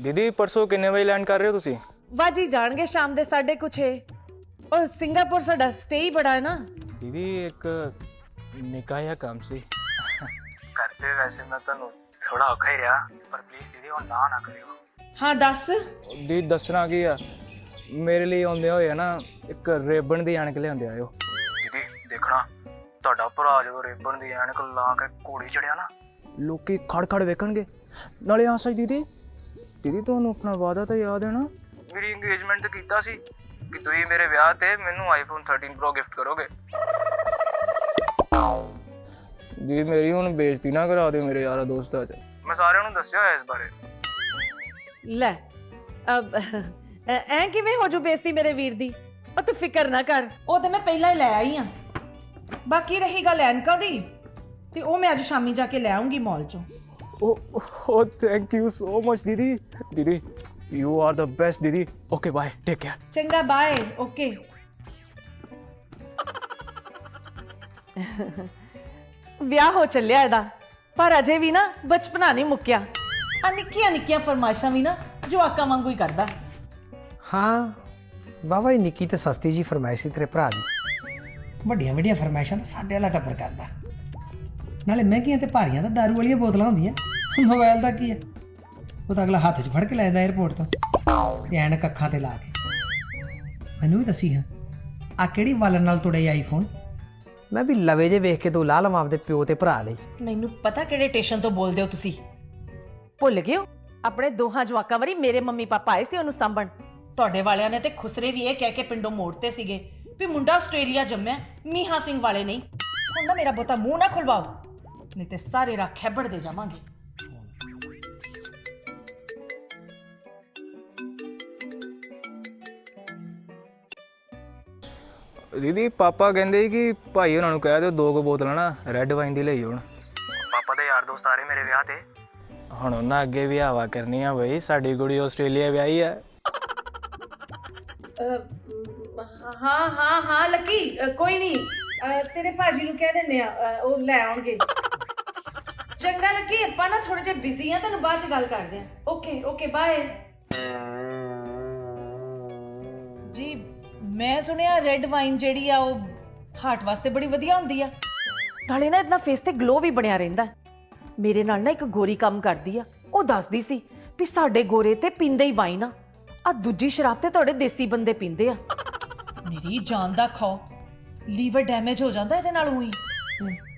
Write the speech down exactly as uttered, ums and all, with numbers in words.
दीदी परसों किन्ने बजे लैंड कर रहे हो तुसी? वाजी जाणगे शाम दे साढ़े कुछ है और सिंगापुर साडा स्टे ही बड़ा है ना। दीदी एक निका जिहा काम सी करते वैसे मैं तुहानू थोड़ा औखा ही रहा पर प्लीज दीदी हुण ना ना करियो। हाँ दस। दीदी दसना की आ मेरे लिए आउंदे होए ना एक रेबन दी ऐनक लिआंदे आयो। दीदी देखना ਤੁਹਾਡਾ ਭਰਾ ਜਦੋਂ ਰੇਬਨ ਦੀ ਐਨਕ ਲਾ ਕੇ ਘੋੜੀ ਚੜਿਆ ਨਾ ਲੋਕੀ ਖੜ ਖੜ ਵੇਖਣਗੇ ਨਾਲੇ ਆ ਸੱਚ ਦੀਦੀ ਦੀਦੀ ਤੁਹਾਨੂੰ ਆਪਣਾ ਵਾਅਦਾ ਤਾਂ ਯਾਦ ਹੈ ਨਾ ਮੇਰੀ ਇੰਗੇਜਮੈਂਟ ਤੇ ਕੀਤਾ ਸੀ ਕਿ ਤੁਸੀਂ ਮੇਰੇ ਵਿਆਹ ਤੇ ਮੈਨੂੰ ਆਈਫੋਨ ਥਰਟੀਨ ਪ੍ਰੋ ਗਿਫਟ ਕਰੋਗੇ। ਜੀ ਮੇਰੀ ਹੁਣ ਬੇਇੱਜ਼ਤੀ ਨਾ ਕਰਾ ਦਿਓ ਮੇਰੇ ਯਾਰਾਂ ਦੋਸਤਾਂ 'ਚ ਮੈਂ ਸਾਰਿਆਂ ਨੂੰ ਦੱਸਿਆ ਹੋਇਆ ਇਸ ਬਾਰੇ। ਲੈ ਅਬ ਐ ਕਿਵੇਂ ਹੋ ਜੂ ਬੇਇੱਜ਼ਤੀ ਮੇਰੇ ਵੀਰ ਦੀ। ਉਹ ਤੂੰ ਫਿਕਰ ਨਾ ਕਰ ਉਹ ਤੇ ਮੈਂ ਪਹਿਲਾਂ ਹੀ ਲੈ ਆਈ ਆ। ਬਾਕੀ ਰਹੀ ਗੱਲ ਐਨਕਾਂ ਦੀ ਤੇ ਉਹ ਮੈਂ ਅੱਜ ਸ਼ਾਮੀ ਜਾ ਕੇ ਲੈ ਆਉਂਗੀ ਮਾਲ ਚੋਂ। Oh, oh, thank you so much, Didi. Didi, you are the best, Didi. Okay, bye. Take care. ਚੰਗਾ ਬਾਏ। ਓਕੇ। ਵਿਆਹ ਹੋ ਚੱਲਿਆ ਇਹਦਾ ਪਰ ਅਜੇ ਵੀ ਨਾ ਬਚਪਨਾ ਨਹੀਂ ਮੁੱਕਿਆ। ਆ ਨਿੱਕੀਆਂ ਨਿੱਕੀਆਂ ਫਰਮਾਇਸ਼ਾਂ ਵੀ ਨਾ ਜਵਾਕਾਂ ਵਾਂਗੂ ਹੀ ਕਰਦਾ। ਹਾਂ ਬਾਬਾ ਹੀ ਨਿੱਕੀ ਤੇ ਸਸਤੀ ਜੀ ਫਰਮਾਇਸ਼ ਸੀ ਤੇਰੇ ਭਰਾ ਦੀ। ਵੱਡੀਆਂ ਵੱਡੀਆਂ ਫਰਮਾਇਸ਼ਾਂ ਤਾਂ ਸਾਡੇ ਵਾਲਾ ਟੱਬਰ ਕਰਦਾ। ਨਾਲੇ ਮਹਿੰਗੀਆਂ ਤੇ ਭਾਰੀਆਂ ਤਾਂ ਦਾਰੂ ਵਾਲੀਆਂ ਬੋਤਲਾਂ ਹੁੰਦੀਆਂ। ਮੋਬਾਈਲ ਦਾ ਕੀ ਹੈ ਉਹ ਤਾਂ ਅਗਲਾ ਹੱਥ 'ਚ ਫੜ ਕੇ ਲੈ ਜਾਂਦਾ ਏਅਰਪੋਰਟ ਤੋਂ ਤੇ ਐਨਕ ਅੱਖਾਂ ਤੇ ਲਾ ਕੇ। ਮੈਨੂੰ ਵੀ ਦੱਸੀ ਹਾਂ ਆ ਕਿਹੜੀ ਵਾਲਣ ਨਾਲ ਤੁੜੇ ਆਈਫੋਨ। ਮੈਂ ਵੀ ਲਵੇ ਜੇ ਵੇਖ ਕੇ ਤੂੰ ਲਾ ਲਵਾਂ ਆਪਦੇ ਪਿਓ ਤੇ ਭਰਾ ਲਈ। ਮੈਨੂੰ ਪਤਾ ਕਿਹੜੇ ਸਟੇਸ਼ਨ ਤੋਂ ਬੋਲਦੇ ਹੋ ਤੁਸੀਂ। ਭੁੱਲ ਗਏ ਹੋ ਆਪਣੇ ਦੋਹਾਂ ਜਵਾਕਾਂ ਵਾਰੀ ਮੇਰੇ ਮੰਮੀ ਪਾਪਾ ਆਏ ਸੀ ਉਹਨੂੰ ਸਾਂਭਣ। ਤੁਹਾਡੇ ਵਾਲਿਆਂ ਨੇ ਤੇ ਖੁਸਰੇ ਵੀ ਇਹ ਕਹਿ ਕੇ ਪਿੰਡੋਂ ਮੋੜਤੇ ਸੀਗੇ ਵੀ ਮੁੰਡਾ ਆਸਟ੍ਰੇਲੀਆ ਜੰਮਿਆ ਮੀਹਾ ਸਿੰਘ ਵਾਲੇ ਨਹੀਂ। ਹੁਣ ਨਾ ਮੇਰਾ ਬਹੁਤਾ ਮੂੰਹ ਨਾ ਖੁਲਵਾਓ ਨਹੀਂ ਤੇ ਸਾਰੇ ਰਾਹ ਖੈਬੜ ਦੇ ਜਾਵਾਂਗੇ। ਦੀਦੀ ਪਾਪਾ ਕਹਿੰਦੇ ਕਿ ਭਾਈ ਉਹਨਾਂ ਨੂੰ ਕਹਿ ਦਿਓ ਦੋ ਕੁ ਬੋਤਲਾਂ ਨਾ ਰੈੱਡ ਵਾਈਨ ਦੀ ਲਈ ਹੁਣ। ਪਾਪਾ ਦੇ ਯਾਰ ਦੋਸਤ ਆ ਰਹੇ ਮੇਰੇ ਵਿਆਹ ਤੇ ਹੁਣ ਉਹਨਾਂ ਅੱਗੇ ਵੀ ਹਵਾ ਕਰਨੀ ਆ ਬਈ ਸਾਡੀ ਕੁੜੀ ਆਸਟ੍ਰੇਲੀਆ ਵਿਆਹੀ ਆ। ਹਾਂ ਹਾਂ ਹਾਂ ਲੱਕੀ ਕੋਈ ਨਹੀਂ ਤੇਰੇ ਭਾਜੀ ਨੂੰ ਕਹਿ ਦਿੰਦੇ ਆ ਉਹ ਲੈ ਆਉਣਗੇ। ਚੰਗਾ ਲੱਕੀ ਆਪਾਂ ਨਾ ਥੋੜੇ ਜਿਹਾ ਬਿਜ਼ੀ ਆ ਤੁਹਾਨੂੰ ਬਾਅਦ ਚ ਗੱਲ ਕਰਦੇ ਆ। ਓਕੇ ਓਕੇ ਬਾਏ ਜੀ। ਮੈਂ ਸੁਣਿਆ ਰੈੱਡ ਵਾਈਨ ਜਿਹੜੀ ਆ ਉਹ ਹਾਰਟ ਵਾਸਤੇ ਬੜੀ ਵਧੀਆ ਹੁੰਦੀ ਆ ਨਾਲੇ ਨਾ ਇਤਨਾ ਫੇਸ ਤੇ ਗਲੋ ਵੀ ਬਣਿਆ ਰਹਿੰਦਾ। ਮੇਰੇ ਨਾਲ ਨਾ ਇੱਕ ਗੋਰੀ ਕੰਮ ਕਰਦੀ ਆ ਉਹ ਦੱਸਦੀ ਸੀ ਵੀ ਸਾਡੇ ਗੋਰੇ ਤੇ ਪੀਂਦੇ ਹੀ ਵਾਈਨ ਆ ਆ ਦੂਜੀ ਸ਼ਰਾਬ ਤੇ ਤੁਹਾਡੇ ਦੇਸੀ ਬੰਦੇ ਪੀਂਦੇ ਆ। ਮੇਰੀ ਜਾਨ ਦਾ ਖਾਓ ਲੀਵਰ ਡੈਮੇਜ ਹੋ ਜਾਂਦਾ ਇਹਦੇ ਨਾਲ ਹੋਈ।